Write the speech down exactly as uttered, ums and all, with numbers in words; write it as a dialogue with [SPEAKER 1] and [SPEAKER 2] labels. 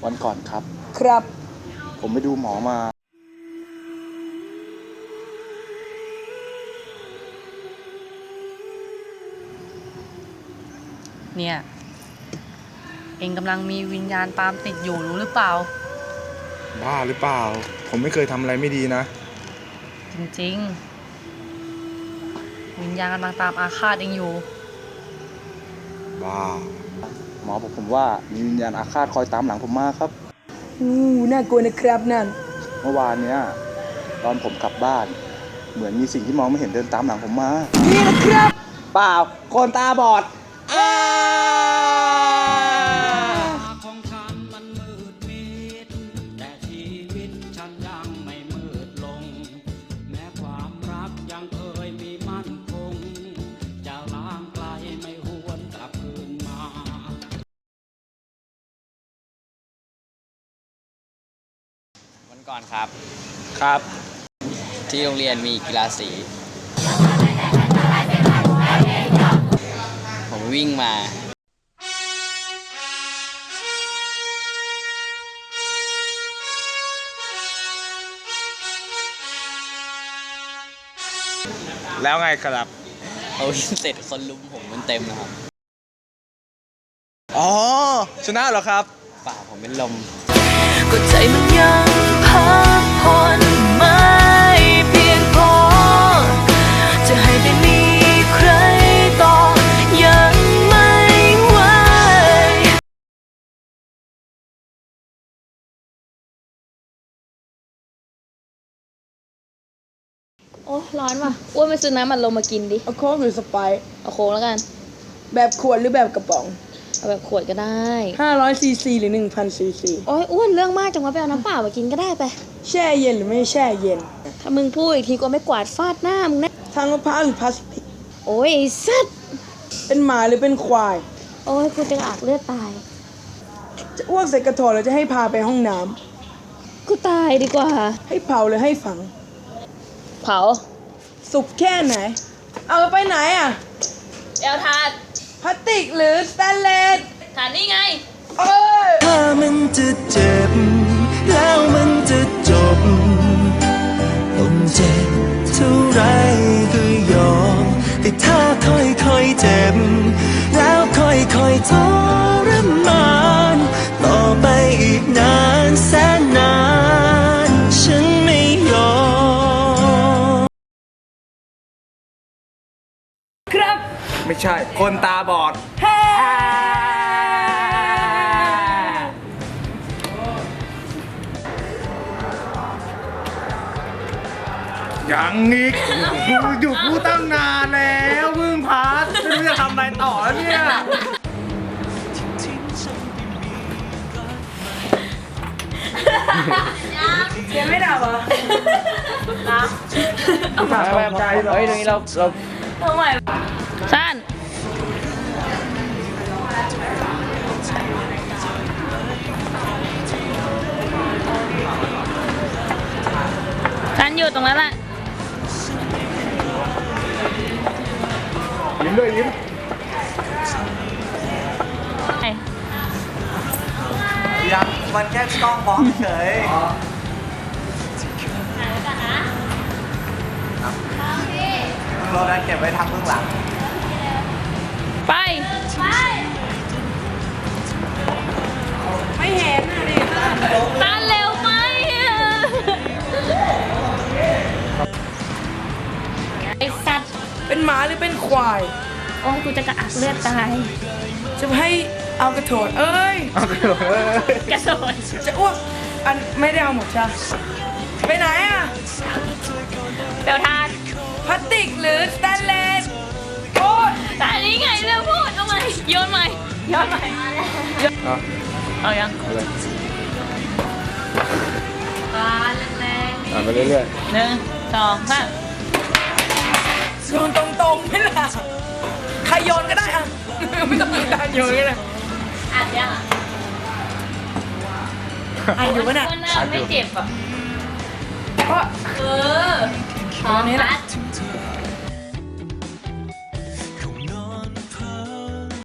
[SPEAKER 1] วันก่อนครับ
[SPEAKER 2] ครับ
[SPEAKER 1] ผมไปดูหมอมา
[SPEAKER 3] เนี่ยเองกำลังมีวิญญาณตามติดอยู่รู้หรือเปล่า
[SPEAKER 4] บ้าหรือเปล่าผมไม่เคยทำอะไรไม่ดีนะ
[SPEAKER 3] จริงๆวิญญาณกำลังตามอาฆาตเองอยู่
[SPEAKER 4] บ้า
[SPEAKER 1] หมอบอกผมว่ามีวิญญาณอาฆาตคอยตามหลังผมมาครับ
[SPEAKER 2] อู้น่ากลัวนะครับนั่น
[SPEAKER 1] เมื่อวานเนี้ยตอนผมกลับบ้านเหมือนมีสิ่งที่มองไม่เห็นเดินตามหลังผมมา
[SPEAKER 2] นี่นะครับ
[SPEAKER 1] เปล่าคนตาบอดอ้า
[SPEAKER 5] ของฉันมันมืดมิดแต่ชีวิตฉันยังไม่มืดลงแม้ความรักยังเคยมีมั่นคงจะล้างไกลไม่หวนกลับคืนมา
[SPEAKER 6] วันก่อนครับ
[SPEAKER 1] ครับ
[SPEAKER 6] ที่โรงเรียนมีกีฬาสีผมวิ่งมา
[SPEAKER 4] แล้วไงครับ
[SPEAKER 6] เขาวิ่งเสร็จคนลุมผมมันเต็มนะครับ
[SPEAKER 4] อ๋อชนะเหรอครับ
[SPEAKER 6] เปล่าผมเป็นลม
[SPEAKER 7] ก็ใจมันยังพักผ่อนไม่เพียงพอจะให้ได้มีใครต่อยังไม่ไหว
[SPEAKER 8] โอ้ร้อนว่ะอ้วนไปซื้อน้ำมันลมมากินดิ
[SPEAKER 2] เอาโค้กหรือสไปร์
[SPEAKER 8] เอาโค้กแล้วกัน
[SPEAKER 2] แบบขวดหรือแบบกระป๋อง
[SPEAKER 8] เอาแบบขวดก็ได้
[SPEAKER 2] ห้าร้อยซีซีหรือหนึ่งพันซีซี
[SPEAKER 8] โอ้ยอ้วนเรื่องมากจังวะไปเอาน้ำเปล่ามากินก็ได้ไป
[SPEAKER 2] แช่เย็นหรือไม่แช่เย็น
[SPEAKER 8] ถ้ามึงพูดอีกทีก็ไม่กวาดฟาดหน้ามึงนะ
[SPEAKER 2] ทางมะพร้าวหรือพลาสติก
[SPEAKER 8] โอ้ยสัตว์
[SPEAKER 2] เป็นหมาหรือเป็นควาย
[SPEAKER 8] โอ้ยกูจะอักเลือดตาย
[SPEAKER 2] จะอ้วกใส่กระถางหรือจะให้พาไปห้องน้
[SPEAKER 8] ำกูตายดีกว่า
[SPEAKER 2] ให้เผาหรือให้ฝัง
[SPEAKER 8] เผา
[SPEAKER 2] สุกแค่ไหนเอาไปไหนอ่ะ
[SPEAKER 8] เอลทาด
[SPEAKER 2] พลาสติกหรือสแตนเลส
[SPEAKER 8] ฐานนี่ไง
[SPEAKER 2] เอ้ย
[SPEAKER 7] ถ้ามันจะเจ็บแล้วมันจะจบต้องเจ็บเท่าไรก็ยอมแต่ถ้าค่อยๆเจ็บแล้วค่อยๆทรมานต่อไปอีกนานแสนนานฉันไม่ยอม
[SPEAKER 2] ครับ
[SPEAKER 4] ไม่ใช่คนตาบอดยังอีกกูอยู่กูตั้งนานแล้วมึงพัดไม่รู้จะทำอะไรต่อแล้วเนี่ย
[SPEAKER 2] ยังไม่ดับเหรอ
[SPEAKER 3] นะ
[SPEAKER 4] เอามาแบบใจเฮ้ยตรงนี้เราเรา
[SPEAKER 8] ทำไมสั้นสั้นอยู่ตรงนั้นแหละ
[SPEAKER 4] ยิ้มด้วยยิ้ม
[SPEAKER 6] ยังมันแค่กล้องมองเฉยเราได้เก็บไว้ทำเบื้องหลัง
[SPEAKER 8] ไปไป
[SPEAKER 2] ไม่เห็นอ่ะดิ
[SPEAKER 8] ตาเร็วไหมไอ้สัตว์
[SPEAKER 2] เป็นหมาหรือเป็นควาย
[SPEAKER 8] โอ้ยกูจะกระอักเลือดตาย
[SPEAKER 2] จะให้เอากระโถนเอ้ย
[SPEAKER 4] เอากระโถนเอ้ย
[SPEAKER 8] กระโถน
[SPEAKER 2] จะอ้วกอันไม่ได้เอาหมดใช่ไปไหนอ่ะ
[SPEAKER 8] เดี๋ยวทาน
[SPEAKER 2] พลาสติกหรือสแตนเลสโอ้ย
[SPEAKER 8] แต่อันนี้ไงเรื่องพูดเอาใหม่โยนใหม่โยนใหม่
[SPEAKER 4] เอา
[SPEAKER 8] เอายัง
[SPEAKER 4] เอาเลย
[SPEAKER 8] ปาแรงๆ
[SPEAKER 4] อ่านไปเรื่อย
[SPEAKER 8] ๆหนึ่งสองสาม
[SPEAKER 2] โยนตรงๆไม่ล่ะใครโยนก็ได้อ่ะไม่ต้องมีการโยนก็ได้
[SPEAKER 8] อ่านยัง
[SPEAKER 2] อ่านอยู่ปะเนี่ย
[SPEAKER 8] ไม่เจ็บอ่ะ
[SPEAKER 2] เพราะ
[SPEAKER 8] เออตอนนี้แหละ